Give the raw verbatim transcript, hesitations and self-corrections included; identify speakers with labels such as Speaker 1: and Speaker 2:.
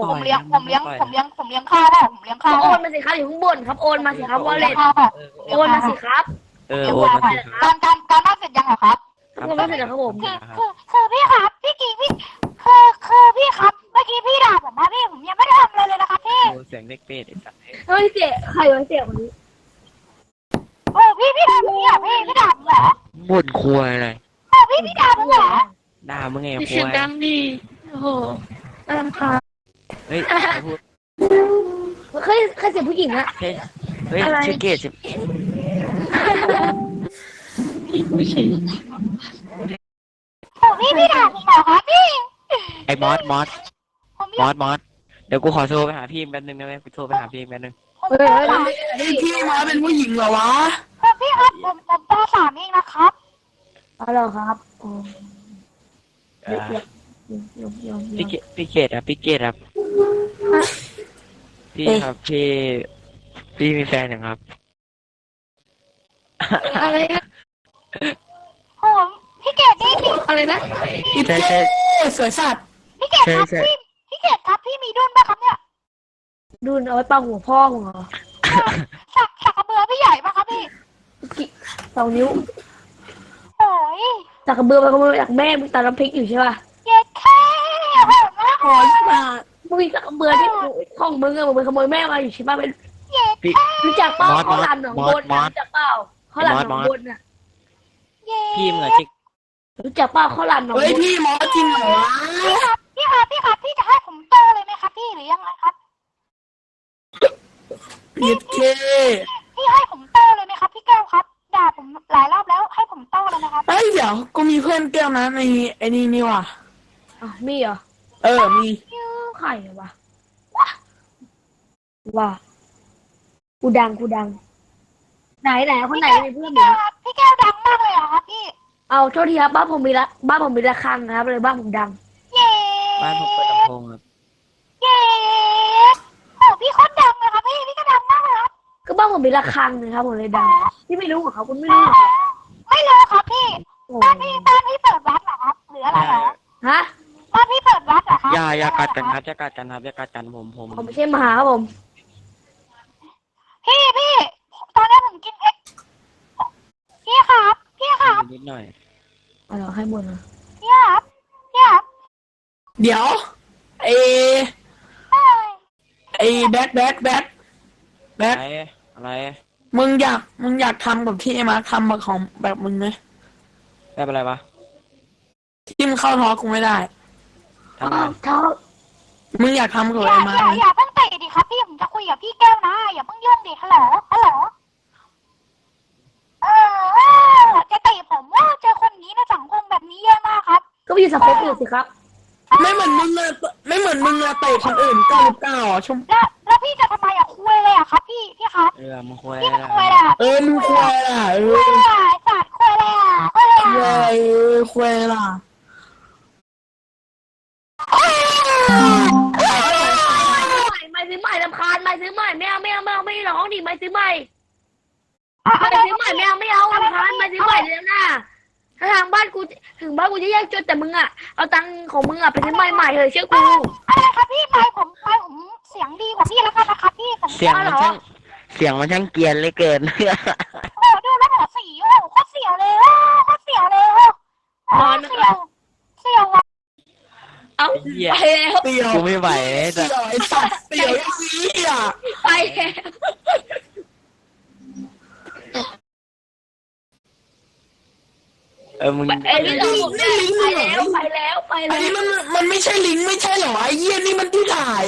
Speaker 1: ผมเลี้ยงผมเลี้ยงผมเลี้ยงผมเลี้ยงข้าวเปล่าผมเลี้ยงข้าว
Speaker 2: โอนมาสิครับอยู่ข้างบนครับโอนมาสิครับวอลเล็ต
Speaker 1: ข้าวเปล่า
Speaker 2: โอนมาสิครับ
Speaker 3: เออโอนมาสิครับ
Speaker 1: การการการบ้านเสร็จยังเหรอครับ
Speaker 2: โอนมาสิครับผม
Speaker 1: คือคือคือพี่ครับพี่กีพี่คือคือพี่ครับเมื่อกี้พี่ด่าผมมาพี่ผมยังไม่ได้ทำอะไรเลยนะครับพี่
Speaker 3: โอ้เสียงเด็กเป็ดไอ้สัตว์
Speaker 2: เฮ้ยเจ๊ใครวะเจ๊คนนี้
Speaker 1: โอ้พี่พี่ด่าผมเนี่ยพี่พี่ด่าผมเหรอ
Speaker 3: บ่นควยอะไร
Speaker 1: โอ้พี่พี่ด่าผมเหรอ
Speaker 3: ด่ามึงไง
Speaker 2: พี่
Speaker 3: ค
Speaker 2: เสียง
Speaker 3: วย
Speaker 2: ดังดีโอ้โหน่ารำคาญ
Speaker 3: เฮ้ยใครพูด
Speaker 2: เคยเคยเสียงผู้หญิงอะ
Speaker 3: เฮ้ยเฮ้ย
Speaker 2: อะไร
Speaker 3: ชื่อเกดสิไม่ใช่
Speaker 1: โอ้พี่พี่ด่าผมเหรอครับพี่
Speaker 3: ไอ้มอสมอส
Speaker 1: ผม
Speaker 3: มอสมอสเดี๋ยวกูขอโทรไปหาพี่แป๊บนึงนะเว้ยกูโทรไปหาพี่แป๊บนึง
Speaker 1: ผมปสาม
Speaker 4: นี่พี่มาเป็นผู้หญิงเหรอวะ
Speaker 1: พี่ครับผมผมปสามเองนะครับ
Speaker 2: เอาเหรอครับโอ้
Speaker 3: เอ
Speaker 2: เดี๋ยว
Speaker 3: อ
Speaker 2: เดี๋ยวเดี๋ยวเดี๋ยว
Speaker 3: พี่
Speaker 2: เดี๋ยว
Speaker 3: เกดพี่เกดครับพี่เกดครับพี่ครับพี่พี่มีแฟนยังครับ
Speaker 2: อะไรนะ
Speaker 1: โอ้พี่เกดนี่พี่
Speaker 2: อะไรนะ
Speaker 4: อี
Speaker 3: ใช่
Speaker 4: เจ๊
Speaker 3: ใช่
Speaker 4: สวยสัตว์
Speaker 1: พี่เกดครับ
Speaker 3: ใช่ใช่
Speaker 1: พี่พี่เกดครับพี่มีดุนไหมครับเนี่ย
Speaker 2: ดูเอาไว้ปังหัวพ่อมึงเหรอ
Speaker 1: สักสักกระเบือพี่ใหญ่ปะครับพี่
Speaker 2: กี่สองนิ้ว
Speaker 1: โอ้ย
Speaker 2: จากกระเบือไปขโมยจากแม่มึงตำน้ำพริกอยู่ใช่ป่ะ
Speaker 1: เย็ดแค่โหดมาก
Speaker 4: ขอสัตว์
Speaker 2: มึงมีจากกระเบือที่ของมึงอะมึงไปขโมยแม่มาอยู่ใช่ป่ะเป็น
Speaker 1: เย็ด
Speaker 3: พี่
Speaker 2: รู้จักเป้าม
Speaker 3: อส
Speaker 2: ข้าวหลามหนองบน
Speaker 3: มอส
Speaker 2: รู้จักเป้าข้าวหลามหนองบนน่ะ
Speaker 1: เย็ด
Speaker 3: พี่มึงอะจิก
Speaker 2: รู้จักเป้าข้าวหลามหนอง
Speaker 4: เฮ้ย
Speaker 2: บน
Speaker 4: พี่หมอจริงเหรอวะ
Speaker 1: พี่ครับพี่ครับพี่ครับพี่จะให้ผมโตเลยไหมครับพี่หรือยังไงครับ
Speaker 4: อีเจ๊
Speaker 1: พี่ให้ผมโตเลยไหมครับพี่แก้วครับด่าผมหลายรอบแล้วให้ผมโตเลยนะครับ
Speaker 4: เฮ้ยเดี๋ยวกูมีเพื่อนแก้วนะในไอ้นี่นี่ว่ะ
Speaker 2: อ่ะมีเหรอ
Speaker 4: เออมี
Speaker 2: ใครวะว่ากูดังกูดัง ไหนไหนคนไหนมีเพื่อน
Speaker 1: พี่
Speaker 2: อยู่
Speaker 1: แก้วครับพี่แก้วดังมากเลยเหรอครับพี่
Speaker 2: เอาโทษทีครับบ้านผมมีละบ้านผมมีระฆังครับเลยบ้านผมดัง
Speaker 1: เย้
Speaker 3: บ้านผมเปิดลำโพงครับ
Speaker 1: เย้โอ้พี่โคตรดังเลยครับพี่พี่ก็ดังมากเลยครับ
Speaker 2: ก็บ้านผมมีระฆังนะครับผมเลยดังที่ไม่รู้เหรอครับคุณไม่รู้เหรอครับ
Speaker 1: ไม่รู้ครับพี่
Speaker 2: โอ้
Speaker 1: บ้านพี่บ้านพี่เปิดวัดเหรอครับหรืออะไรเหรอ
Speaker 2: ฮะ
Speaker 1: บ้านพี่เปิดวัดเหรอครับ
Speaker 3: อย่าอย่ากัดกันครับอย่ากัดกันครับอย่ากัดกันผมผม
Speaker 2: ผมไม่ใช่หมาครับผม
Speaker 1: พี่พี่ตอนนี้ผมกินเอ็กพี่ครับพี่ครับ
Speaker 3: นิดหน่อย
Speaker 2: เอาเหรอให้หมดนะ
Speaker 1: พี่ครับพี่ครับ
Speaker 4: เดี๋ยวไอ้
Speaker 1: เอ้ย
Speaker 4: ไอ้แบทแบทแบทแบ
Speaker 3: อะ
Speaker 4: ท
Speaker 3: ไรอะไร
Speaker 4: มึงอยากมึงอยากทำแบบที่ไอ้มาร์คทำแบบของแบบมึงไหม
Speaker 3: ได้เป็นไรวะ
Speaker 4: ที่มึงเข้าท้อกูไม่ได้
Speaker 3: ทำไม
Speaker 2: เท้า
Speaker 4: มึงอยากทำกับ
Speaker 1: อย่า
Speaker 4: ไอ้มา
Speaker 1: อ
Speaker 4: ร์ค
Speaker 1: ย่า
Speaker 4: ไหม
Speaker 1: อย่าเพิ่งเตะดิครับพี่ผมจะคุยกับพี่แก้วนะอย่าเพิ่งยุ่งดิฮัลโหลฮัลโหลเออจะเตะผมว่าเจอคนนี้ในสังคมแบบนี้เยอะมากครับ
Speaker 2: ก็ไปอยู่สังคมอื่นสิครับ
Speaker 4: ไม่เหมือนมึงอะไม่เหมือนมึงอะเตะคนอื่นเก้าสิบเก้าอ่ะชม
Speaker 1: แล้วแล้วพี่จะทำไมอะคุยเลยอะครับพี่พี่ครับ
Speaker 3: เออมึงคุย
Speaker 1: พี่
Speaker 3: อะไร
Speaker 1: มันคุยเลยอะ
Speaker 4: เออมึงควายล่ะเอ
Speaker 1: คุ
Speaker 4: อย
Speaker 1: เลยอะสัตว์คุยเลยอะคุยเลย
Speaker 4: ควา
Speaker 1: อะ
Speaker 4: ยเออควายล่ะ
Speaker 2: ไม่ซื้อใหม่ลำคาญไม่ซื้อใหม่ไม่เอาไม่เอาไม่เอาไม่ร้องดิไม่ซื้อใหม่ไม่ซื้อใหม่ไม่เอาไม่เอาลำคาญไม่ซื้อใหม่แล้วนะถ้าทางบ้านกูถึงบ้านกูจะแยกจนแต่มึงอ่ะเอาตังค์ของมึงอ่ะไปซื้อใหม่ใหม่เถอะเชื่อกู
Speaker 1: อะไรครับพี่ไม่ผมไม่ผมเสียงดีกว่าพี่แล้วกันนะครับพี่ผม
Speaker 3: เสียงมันช่างเสียงมันช่างเกรียนเหลยเกิน
Speaker 1: โอ้ดูแล้วหัวสีโอ้โคตรเสียวเลยโอ้โคตรเสียวเลยโอ้เสียวเสียวว่ะ
Speaker 2: เอา
Speaker 3: เหี้ย
Speaker 2: ไปแล้ว
Speaker 4: เตียว
Speaker 3: กูไม่ไหวแต่
Speaker 4: เตียวไอ้สัตว์เตียวไอ้เหี้ย
Speaker 2: ไปแล้ว
Speaker 3: เออมึง
Speaker 2: ไอ้นี่เราไปแล้วไปแล้วไป
Speaker 4: อัน
Speaker 2: แล้ว
Speaker 4: นี้มันมันไม่ใช่ลิงก์ไม่ใช่เหรอไอ้เหี้ยนี่มันที่ถ่าย